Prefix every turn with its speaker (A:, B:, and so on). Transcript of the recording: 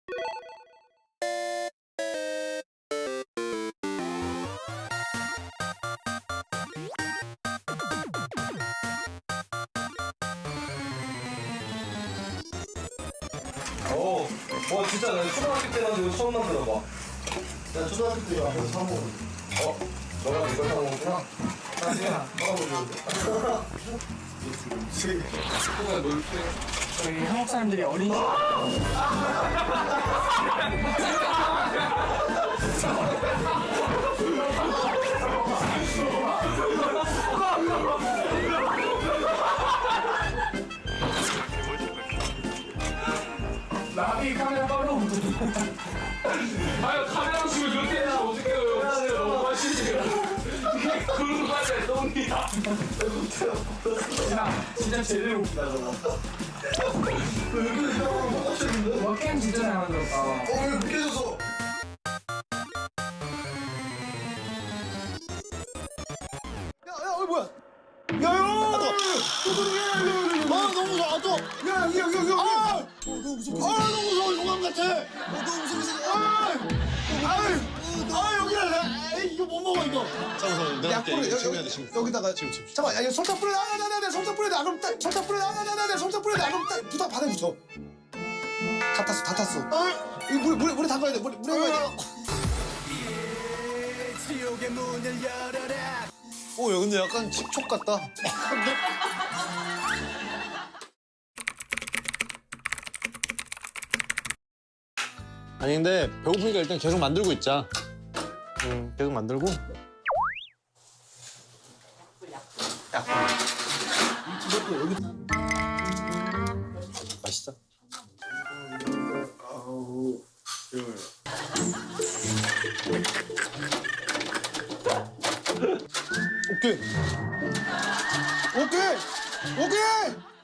A: 와 진짜 나 초등학교 때 가지고 처음 만들어봐. 나 초등학교 때 앞에서 사 먹었는데. 너가 이걸 사 먹었구나?
B: 저희 한국 사람들이 어린 나비 카메라 바로
C: 아유 카메라 보시면 이렇게 해서 어떡해요. 진짜 너무 맛있네요. 이게 그런 맛에 똥이야.
B: 진짜 제대로 웃기다 저거. 와 게임 진짜 잘 만들었다.
A: 왜 묶여져서?
D: 야, 뭐야? 야, 너무 무서워. 또. 야, 너무 무서워. 너무 무서워. 용암 같아. 너무 무서워. 여기라. 이거 못 먹어 이거. 잠깐만, 내가 여기다가 지금. 잠깐, 야, 이거 설탕 뿌려. 설탕 뿌려. 그럼 딱 설탕 뿌려. 설탕 뿌려. 그럼 딱 부탁 바닥에 붙여. 다 탔어. 이거 물에 담가야 돼. 물에 담가야 돼. 지옥의 문을 열어라. 야, 근데 약간 식촉 같다.
E: 아니 근데 배고프니까 일단 계속 만들고 있자.
D: 계속 만들고.
E: 맛있어?
D: 오케이.